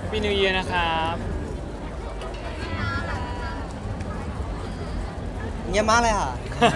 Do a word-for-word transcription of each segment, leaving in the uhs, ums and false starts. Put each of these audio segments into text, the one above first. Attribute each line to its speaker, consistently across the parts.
Speaker 1: Happy New Year นะครับ
Speaker 2: เงียบมากเลยค่ะ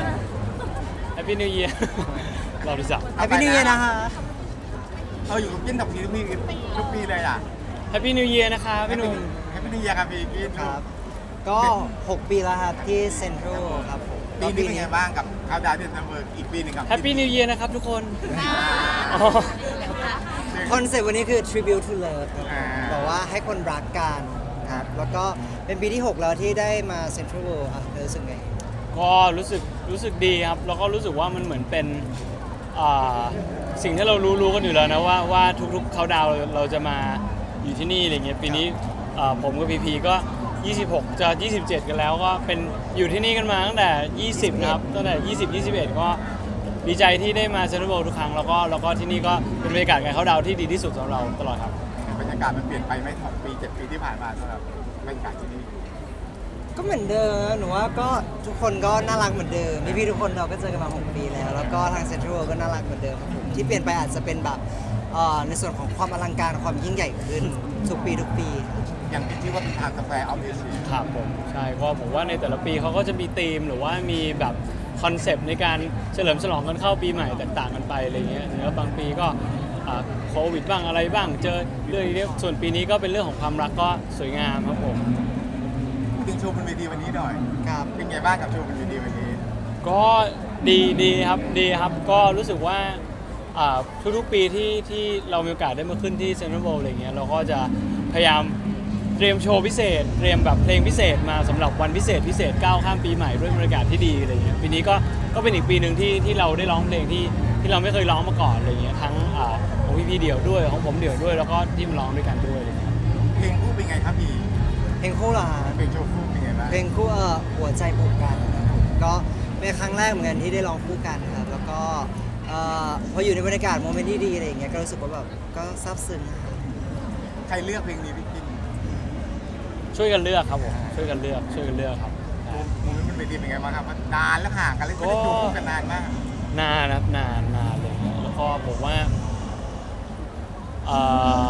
Speaker 1: Happy New Year เราดูจัก
Speaker 2: Happy New Year นะคะ
Speaker 3: เราอยู่กับกินทุกปีทุกปีทุกปีเลยอ่ะ
Speaker 1: Happy New Year นะครับพี่หนุ่ม
Speaker 3: แฮปปี้นิวเยียร์ครับพี่กิน
Speaker 2: ครับ ก็ หก ปีแล้วครับที่เซ็นทรัลครับผม
Speaker 3: ปีนี้เป็นไงบ้างกับคาวดาวที่เซมเบอร์อีกปีหนึงครับ
Speaker 1: Happy New Year นะครับทุกคนอ๋อ
Speaker 2: คอนเซ็ปต์วันนี้คือ tribute to love ครับ
Speaker 3: อ่า
Speaker 2: บอกว่าให้คนรักกันครับ แล้วก็เป็นปีที่ หก แล้วที่ได้มาเซ็นทรัลเวิลด์อ่ะเธอรู้สึกไง
Speaker 1: ก็รู้สึกรู้สึกดีครับ แล้วก็รู้สึกว่ามันเหมือนเป็นอ่าสิ่งที่เรารู้รู้กันอยู่แล้วนะว่าว่าทุกๆเขาดาวน์เราจะมาอยู่ที่นี่อะไรเงี้ยปีนี้อ่าผมกับพีพีก็ยี่สิบหกจะยี่สิบเจ็ดกันแล้วก็เป็นอยู่ที่นี่กันมาตั้งแต่ยี่สิบนะครับตั้งแต่ยี่สิบ ยี่สิบเอ็ดก็ดีใจที่ได้มาเซ็นทรัลเวิลด์ทุกครั้งแล้วก็แล้วก็ที่นี่ก็เป็นบรรยากาศการเขาดาวน์ที่ดีที่สุดสำหรับเราตลอดครับ
Speaker 3: บรรยากาศมันเปลี่ยนไปไหมหกปีเจ็ดปีที่ผ่านมาสำหรับบรรยากาศที่นี่
Speaker 2: ก็เหมือนเดิมนะหนูว่าก็ทุกคนก็น่ารักเหมือนเดิมพี่ๆทุกคนเราก็เจอกันมา หก ปีแล้ว แล้วก็ทางเซ็นทรัลเวิลด์ก็น่ารักเหมือนเดิมครับผมที่เปลี่ยนไปอาจจะเป็นแบบเอ่อในส่วนของความอลังการความยิ่งใหญ่ขึ้นทุกปีทุกปี
Speaker 3: อย่างที่ว่าเป็นทางกาแฟออฟฟิศ
Speaker 1: ครับผมใช่ก็ผมว่าในแต่ละปีเขาก็จะมีธีมหรือว่ามีแบบคอนเซปต์ในการเฉลิมฉลองกันเข้าปีใหม่แตกต่างกันไปอะไรเงี้ยแล้วบางปีก็อ่าโควิดบ้างอะไรบ้างเจอเรื่องนี้ส่วนปีนี้ก็เป็นเรื่องของความรักก็สวยงามครับผม
Speaker 3: ถึงโชว์บนเวทีวันนี้หน่อย
Speaker 2: ครับ
Speaker 3: เป็นไงบ้างกับโชว์บนเวทีวันนี้
Speaker 1: ก็ดีดีครับดีครับก็รู้สึกว่าอ่าทุกๆปีที่ที่เรามีโอกาสได้มาขึ้นที่เซ็นทรัลเวิลด์อะไรเงี้ยเราก็จะพยายามเตรียมโชว์พิเศษเตรียมแบบเพลงพิเศษมาสำหรับวันพิเศษพิเศษก้าวข้ามปีใหม่ด้วยบรรยากาศที่ดีอะไรเงี้ยปีนี้ก็ก็เป็นอีกปีหนึ่งที่ที่เราได้ร้องเพลงที่ที่เราไม่เคยร้องมาก่อนอะไรเงี้ยทั้งอ่าของพี่พี่เดี่ยวด้วยของผมเดี่ยวด้วยแล้วก็ที่มาร้องด้วยกันด้วยอะไรเงี้ย
Speaker 3: เพลงคู่เป็นไงครับพี่
Speaker 2: เพลงคู่เหรอฮะ
Speaker 3: เพลงโชว์คู่เป็นไงบ้าง
Speaker 2: เพลงคู่เอ่อหัวใจผูกกันนะครับผมก็เป็นครั้งแรกเหมือนกันที่ได้ร้องคู่กันครับแล้วก็เอ่อพออยู่ในบรรยากาศโมเมนต์ที่ดีอะไรอย่างเงี้ยก็รู้สึกว่าแบบก็ซาบซึ้งครับ
Speaker 3: ใครเลือกเพลงนี้พี่กิน
Speaker 1: ช่วยกันเลือกครับผมช่วยกันเลือกช่วยกันเลือกครับ
Speaker 3: โมเมนต์บนเวทีเป็นไงบ้างครับนานแล้วห่างกันเลยไม่ได้โชว์คู่กันนานมาก
Speaker 1: นานนะครับนานนานเลยแล้วก็ผมว่าเอ่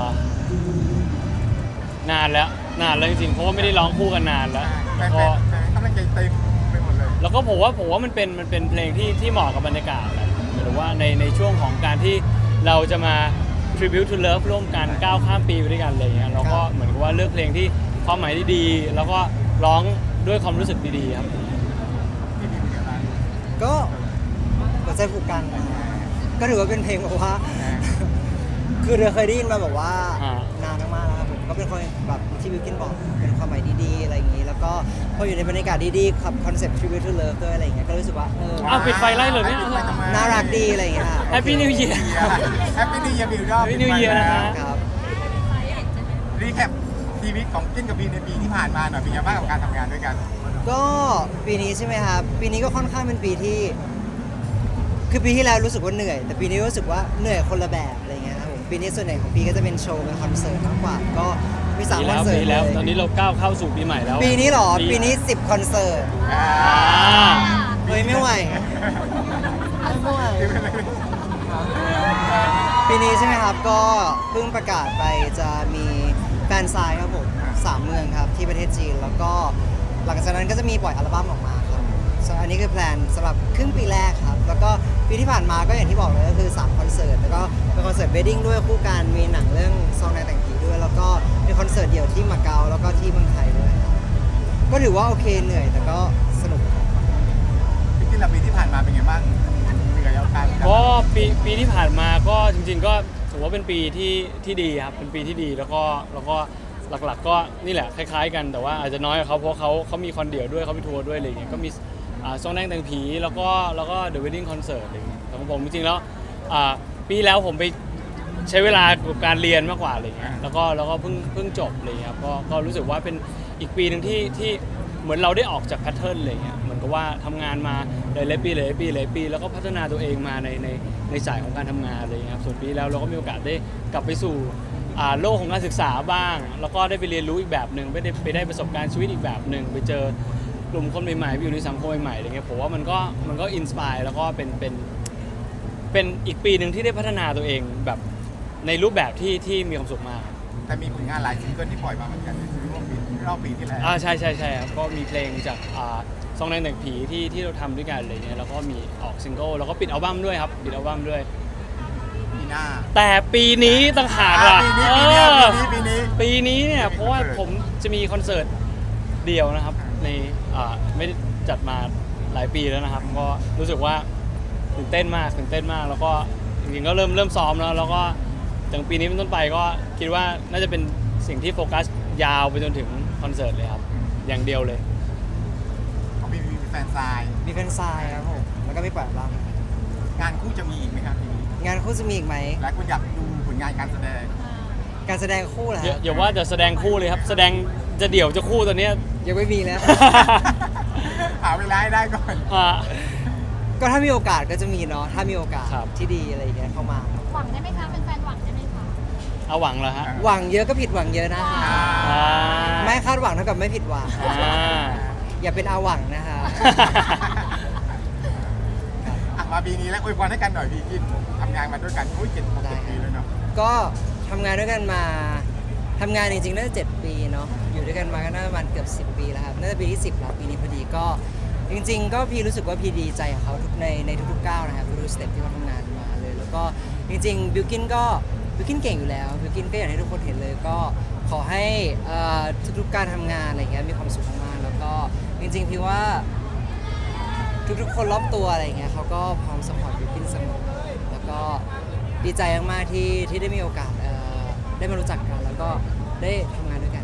Speaker 1: อนานแล้วนานแล้วจริงๆเพราะว่าไม่ได้ร้องคู่กันนานแล้ว
Speaker 3: แฟ
Speaker 1: ก็
Speaker 3: นๆกำลังใจเต็มไปหมดเลย
Speaker 1: แล้วก็ผมว่าผมว่ามันเป็นมันเป็นเพลงที่ที่เหมาะกับบรรยากาศแหละหมายถึงว่าในในช่วงของการที่เราจะมา tribute to love ร่วมกันก้าวข้ามปีไปด้วยกันอะไรเงี้ยเราก็เหมือนกับว่าเลือกเพลงที่ความหมายที่ดีแล้วก็ร้องด้วยความรู้สึกดีๆครับ
Speaker 3: พี่ดีเป็นไงบ้าง
Speaker 2: ก็หัวใจผูกกันนะครับก็ถือว่าเป็นเพลงแบบว่า คือเราเคยได้ยินมาแบบว่า
Speaker 1: อ่าน
Speaker 2: านมากๆแล้วครับผมก็เป็นคนแบบที่บิวกินบอกเป็นความหมายดีๆอะไรอย่างนี้ แล้วก็พออยู่ในบรรยากาศดีๆครับคอนเซ็ปต์ tribute to love ด้วยอะไรอย่างเงี้ยก็รู้สึกว่าเออ
Speaker 1: อ้าวปิดไฟไล่เลยเนี่ย
Speaker 2: น่ารักดีอะไรอย่างเงี้ย
Speaker 1: Happy New Year
Speaker 3: แฮปปี้นิวเยียร์บิวดอ
Speaker 1: Happy New Year นะฮะ
Speaker 2: ครับ
Speaker 3: รีแคปชีวิตของกินกับพีในปีที่ผ่านมาหน่อยเป็นไงบ้างกับการทำงานด้วยกัน
Speaker 2: ก็ปีนี้ใช่ไหมครับ ปีนี้ก็ค่อนข้างเป็นปีที่ คือปีที่แล้วรู้สึกว่าเหนื่อย แต่ปีนี้รู้สึกว่าเหนื่อยคนละแบบอะไรเงี้ยครับผมปีนี้ส่วนใหญ่ของปีก็จะเป็นโชว์เป็นคอนเสิร์ตมากกว่า ก็มีสาม
Speaker 1: ปี
Speaker 2: คอ
Speaker 1: แล้
Speaker 2: น
Speaker 1: ว
Speaker 2: เสิร์
Speaker 1: ปี
Speaker 2: ต
Speaker 1: แล้ว
Speaker 2: เลย
Speaker 1: ตอนนี้เราก้าวเข้าสู่ปีใหม่แล้ว
Speaker 2: ปีนี้เหรอ ปีนี้สิบคอนเสิร์ต
Speaker 3: อ่า
Speaker 2: เฮ้ยไม่ไหวไม่ไหว ปีนี้ใช่ไหมครับ ก็เพิ่งประกาศไปจะมีแฟนไซน์ครับผมสามเมืองครับที่ประเทศจีน แล้วก็หลังจากนั้นก็จะมีปล่อยอัลบั้มออกมาครับส่วนอันนี้คือแพลนสำหรับครึ่งปีแรกครับ แล้วก็ปีที่ผ่านมาก็อย่างที่บอกเลยก็คือสามคอนเสิร์ต แล้วก็เป็นคอนเสิร์ตเวดดิ้งด้วยคู่กัน มีหนังเรื่องซองนายแต่งผีด้วย แล้วก็มีคอนเสิร์ตเดี่ยวที่มาเก๊าแล้วก็ที่เมืองไทยด้วยครับก็ถือว่าโอเคเหนื่อยแต่ก็สนุกครับ
Speaker 3: พี่กินละปีที่ผ่านมาเป็นไงบ้างเหนื่อยเอาการ
Speaker 1: ก็ปีปีที่ผ่านมาก็จริงๆก็ถือว่าเป็นปีที่ที่ดีครับเป็นปีที่ดีแล้วก็แล้วก็หลักๆก็นี่แหละคล้ายๆกันแต่ว่าอาจจะน้อยกว่าเขาเพราะเขาเขามีคอนเดี่ยวด้วยเขามีทัวร์ด้วยอะไรอย่างเงี้ยก็มีอ่าซองแดงแต่งผีแล้วก็แล้วก็ The Wedding Concert อะไรอย่างเงี้ยแต่ของผมจริงๆแล้วอ่าปีแล้วผมไปใช้เวลากับการเรียนมากกว่าอะไรอย่างเงี้ยแล้วก็แล้วก็เพิ่งเพิ่งจบอะไรอย่างเงี้ยครับก็ก็รู้สึกว่าเป็นอีกปีหนึ่งที่ที่เหมือนเราได้ออกจากแพทเทิร์นอะไรอย่างเงี้ยเหมือนกับว่าทำงานมาหลายๆปีหลายๆปีหลายๆปีแล้วก็พัฒนาตัวเองมาในในในสายของการทำงานอะไรอย่างเงี้ยครับส่วนปีแล้วเราก็มีโอกาสได้กลับไปสู่อ่าโลกของการศึกษาบ้าง แล้วก็ได้ไปเรียนรู้อีกแบบหนึ่งไปได้ไปได้ประสบการณ์ชีวิตอีกแบบหนึ่งไปเจอกลุ่มคนใหม่ๆไปอยู่ในสังคมใหม่ๆอะไรเงี้ยผมว่ามันก็มันก็อินสปายแล้วก็เป็นเป็นเป็นอีกปีหนึ่งที่ได้พัฒนาตัวเองแบบในรูปแบบที่ที่มีความสุขมาก
Speaker 3: พแต่มีผลงานหลายซิงเกิลที่ปล่อยมาเหมือนกันในช่วงปีรอบปีที่แล้ว
Speaker 1: อ่าใช่ใช่ใช่ครับก็มีเพลงจากอ่าซองแดงแต่งผีที่ที่เราทำด้วยกันอะไรเงี้ยแล้วก็มีออกซิงเกิลแล้วก็ปิดอัลบั้มด้วยครับปิดอัลบั้มด้วย
Speaker 3: ปีหน้า
Speaker 1: แต่ปีนี้ต่างหาก
Speaker 3: อ่า
Speaker 1: ล่ะ
Speaker 3: ปีนี้
Speaker 1: เอ
Speaker 3: ปีนี้
Speaker 1: อ
Speaker 3: ปีนี้
Speaker 1: ปีนี้เนี่ย
Speaker 3: ปีนี้
Speaker 1: เพราะว่า
Speaker 3: คอนเสิร์ต
Speaker 1: ผมจะมีคอนเสิร์ตเดียวนะครับในอ่าไม่ได้จัดมาหลายปีแล้วนะครับก็รู้สึกว่าตื่นเต้นมากตื่นเต้นมากแล้วก็จริงๆก็เริ่มเริ่มซ้อมแล้วแล้วก็ถึงปีนี้เป็นต้นไปก็คิดว่าน่าจะเป็นสิ่งที่โฟกัสยาวไปจนถึงคอนเสิร์ตเลยครับอย่างเดียวเลย
Speaker 3: ของพี่มีแฟนซาย
Speaker 2: มีแฟนซายครับผมแล้วก็มีปล่อยอัลบั้ม
Speaker 3: งานคู่จะมีอีกไหมครับปีนี้
Speaker 2: งานคู่จะมีอีกไหม
Speaker 3: หลายคนอยากดูผลงานการแสดง
Speaker 2: การแสดงคู่เหรอ
Speaker 1: อย่า
Speaker 2: ฮะ
Speaker 1: อย่าว่าจะแสดงคู่เลยครับ แสดงจะเดี่ยวจะคู่ตอนเนี้ย
Speaker 2: ยังไม่มีแล้ว
Speaker 3: หาเวลาให้ได้ก่อน
Speaker 1: อ่า
Speaker 2: ก็ถ้ามีโอกาสก็จะมีเนาะถ้ามีโอกาส
Speaker 1: ครับ
Speaker 2: ที่ดีอะไรอย่างเงี้ยเข้ามา
Speaker 4: หวังได้ไหมคะเป็นแฟนหวังได้ไหมคะ
Speaker 1: เอาหวังเหรอฮะ
Speaker 2: หวังเยอะก็ผิดหวังเยอะนะ
Speaker 3: อ่า
Speaker 1: อ่า
Speaker 2: ไม่คาดหวังเท่ากับไม่ผิดหวัง
Speaker 1: อ่า
Speaker 2: อย่าเป็นอาหวังนะคะ
Speaker 3: อ่ะมาปีนี้แล้วอวยพรให้กันหน่อยพี่กินทำงานมาด้วยกันโอ้ยเจ็ดหกเจ็ดปีแล้วเนาะ
Speaker 2: ก็ทำงานด้วยกันมาทำงานจริงๆน่าจะเจ็ดปีเนาะอยู่ด้วยกันมาก็น่าจะประมาณเกือบสิบปีแล้วครับน่าจะปีที่สิบแล้วปีนี้พอดีก็จริง ๆ ก็พี่รู้สึกว่าพี่ดีใจกับเขาทุกในในทุกๆก้าวนะครับทุกๆสเต็ปที่เขาทำงานมาเลย แล้วก็จริงๆบิวกินก็บิวกินเก่งอยู่แล้วบิวกินก็อยากให้ทุกคนเห็นเลยก็ขอให้เอ่อทุกๆการทำงานอะไรเงี้ยมีความสุขมากๆแล้วก็จริงๆพี่ว่า ทุกๆคนรอบตัวอะไรเงี้ยเขาก็พร้อมสปอร์ตบิวกินเสมอแล้วก็ดีใจมากๆที่ที่ได้มีโอกาสเอ่อได้มารู้จักกัน แล้วก็ได้ทำงานด้วยกัน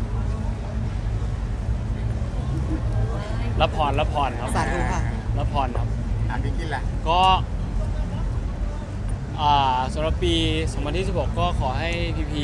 Speaker 1: รับพรรับพรครับ
Speaker 2: สาธุค่ะ
Speaker 1: รับพรครับ
Speaker 3: อ่ะพี่กินแหละ
Speaker 1: ก็อ่าสำหรับปีสองพันยี่สิบหกก็ขอให้พีพี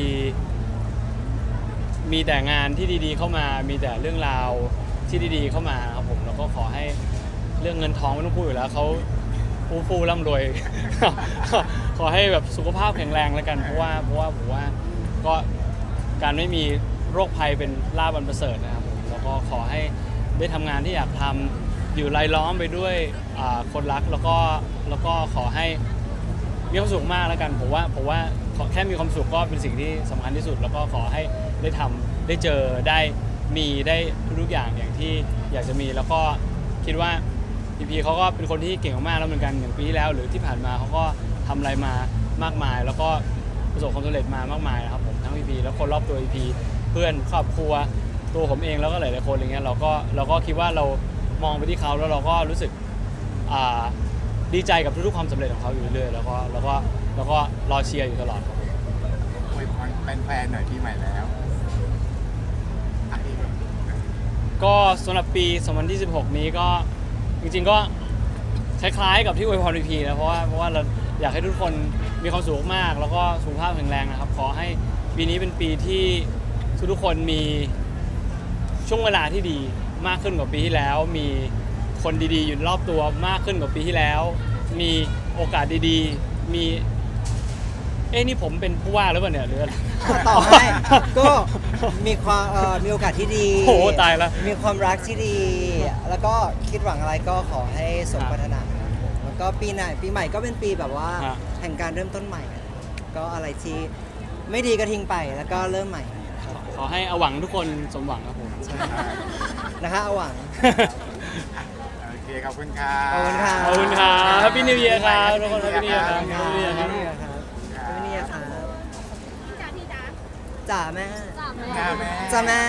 Speaker 1: มีแต่งานที่ดีๆเข้ามา มีแต่เรื่องราวที่ดีๆเข้ามาครับผมแล้วก็ขอให้เรื่องเงินทองไม่ต้องพูดอยู่แล้วเขาฟูฟูร่ำรวย ขอให้แบบสุขภาพแข็งแรงแล้วกันเพราะว่าเพราะว่าผมว่าก็การไม่มีโรคภัยเป็นลาภอันประเสริฐนะครับผมแล้วก็ขอให้ได้ทำงานที่อยากทำอยู่รายล้อมไปด้วยอ่าคนรักแล้วก็แล้วก็ขอให้มีความสุขมากแล้วกันผมว่าผมว่าขอแค่มีความสุขก็เป็นสิ่งที่สำคัญที่สุด แล้วก็ขอให้ได้ทำได้เจอได้มีได้ทุกๆอย่างอย่างที่อยากจะมีแล้วก็คิดว่า พีพีเขาก็เป็นคนที่เก่งมากๆแล้วเหมือนกันอย่างปีที่แล้วหรือที่ผ่านมาเขาก็ทำอะไรมามากมาย แล้วก็ประสบความสำเร็จมามากมายนะครับผมทั้งพีพีแล้วคนรอบตัวพีพีเพื่อนครอบครัวตัวผมเองแล้วก็หลายๆคนอะไรเงี้ยเราก็เราก็คิดว่าเรามองไปที่เขาแล้วเราก็รู้สึกอ่าดีใจกับทุกๆความสำเร็จของเขาอยู่เรื่อยๆแล้วก็แล้วก็แล้วก็รอเชียร์อยู่ตลอดครับ
Speaker 3: อวยพรแฟนๆหน่อยปีใหม่แล้วอ่ะพี่
Speaker 1: ก็สำหรับปีสองพันยี่สิบหกนี้ก็จริงๆก็คล้ายๆกับที่อวยพรพีพีนะเพราะว่าเพราะว่าเราอยากให้ทุกคนมีความสุขมากแล้วก็สุขภาพแข็งแรงนะครับขอให้ปีนี้เป็นปีที่ทุกๆคนมีช่วงเวลาที่ดีมากขึ้นกว่าปีที่แล้ว มีคนดีๆอยู่รอบตัวมากขึ้นกว่าปีที่แล้ว มีโอกาสดีๆมีเอ้นี่ผมเป็นผู้ว่าหรือเปล่าเนี่ยหรืออะไร
Speaker 2: ต่อให้ก็มีความเอ่อมีโอกาสที่ดี
Speaker 1: โอ้โหตายแล้ว
Speaker 2: มีความรักที่ดี แล้วก็คิดหวังอะไรก็ขอให้สมปรารถนาครับผมแล้วก็ปีหน้าปีใหม่ก็เป็นปีแบบว่า
Speaker 1: ฮะ
Speaker 2: แห่งการเริ่มต้นใหม่ ก็อะไรที่ไม่ดีก็ทิ้งไปแล้วก็เริ่มใหม่ครับผม
Speaker 1: ขอให้เอาหวังทุกคนสมหวังครับผม
Speaker 2: นะคะเอาหวัง
Speaker 3: โอเคขอบคุณครั
Speaker 2: ขอบคุณครับ
Speaker 1: ขอบคุณครับ Happy New Year ครับทุกคน Happy New Year ครับ
Speaker 2: ขอบ
Speaker 1: Happy New Year ครับ
Speaker 2: คุณครับขอบคุณครับ
Speaker 4: พี่จ๋าพี่จ๋า
Speaker 2: จ๋าแม่
Speaker 4: จ๋าแม่
Speaker 3: จ้าแม่
Speaker 2: จ๋าแม่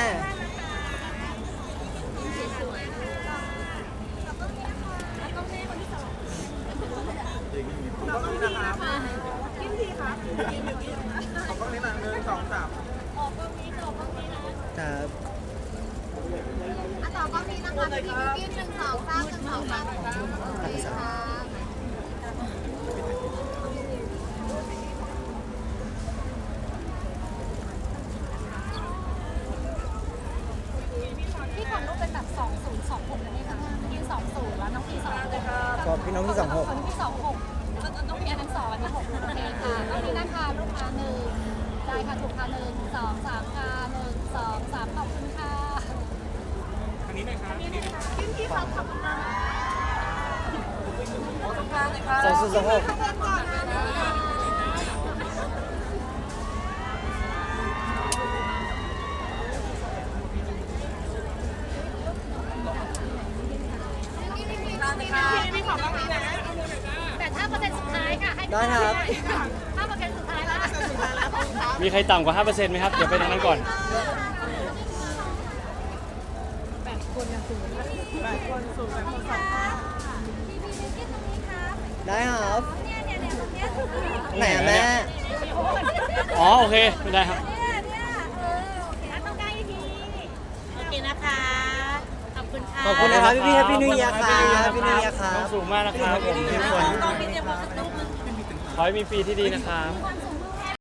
Speaker 4: สวยๆแล้วก็แม่คนที่สองนะคะกินทีค่ะออกกล้องนี้นะหนึ่งสองสามออกกล้องนี้ออกกล้องนี้นะ
Speaker 2: จ๋า
Speaker 4: อ่ะต่อกล้องนี้นะคะพี่บิวกิ้นหนึ่งสองสามหนึ่งสองสามโอเคค่ะพี่ขอรูปเป็นแบบสองศูนย์สองหกได้ไหมคะยืนสองศูนย์แล้วน้องพี่สองหก
Speaker 2: ก็พี่น้องที่สองหก
Speaker 4: คนที่สองหกน้องพี่อันนั้นสองอันนี้หกโอเคค่ะตอนนี้นะคะลูกค้าหนึ่งได้ค่ะถูกค่ะหนึ่งสองสามค่ะหนึ่งสองสามขอบคุณค่ะอันนี้หน่อยครับอันนี้หน่อยค่ะพี่พี่ครับขอบคุณค่ะขอบคุณค่ะเลยค่ะ
Speaker 2: สองศูนย์สองหก
Speaker 4: ขอบคุณค่ะ
Speaker 2: ได้ครับ
Speaker 4: ห้าเปอร์เซ็นต์สุดท้ายแล้วสุดท้ายแล้ว
Speaker 1: มีใครต่ำกว่า ห้าเปอร์เซ็นต์ ไหมครับ เดี๋ยวไปทางนั้นก่อน
Speaker 4: แปดคนนะสูงแปดคนสูงแปดคนสองค่ะพี่พี่นิกกี้ตรงนี้ครับ
Speaker 2: ได้ครับ
Speaker 4: เนี่ยเนี่ยเนี่ยตรงเนี้ย
Speaker 2: ไหนอะแม่
Speaker 1: อ๋อ โอเค ไม่ได้ครับ
Speaker 4: เนี่ยเนี่ยเออโอเคต้องใกล้ทีโอเคนะคะขอบคุณค่ะ
Speaker 2: ขอบคุณนะครับพี่ๆ Happy New Year ครับ Happy New Year ครับ
Speaker 1: ต้องสูงมากนะครับผมทุกคน
Speaker 4: ต้องมีเตรียมความสุขลูกนึง
Speaker 1: ขอให้มีปีที่ดีนะครับ
Speaker 4: ความสุข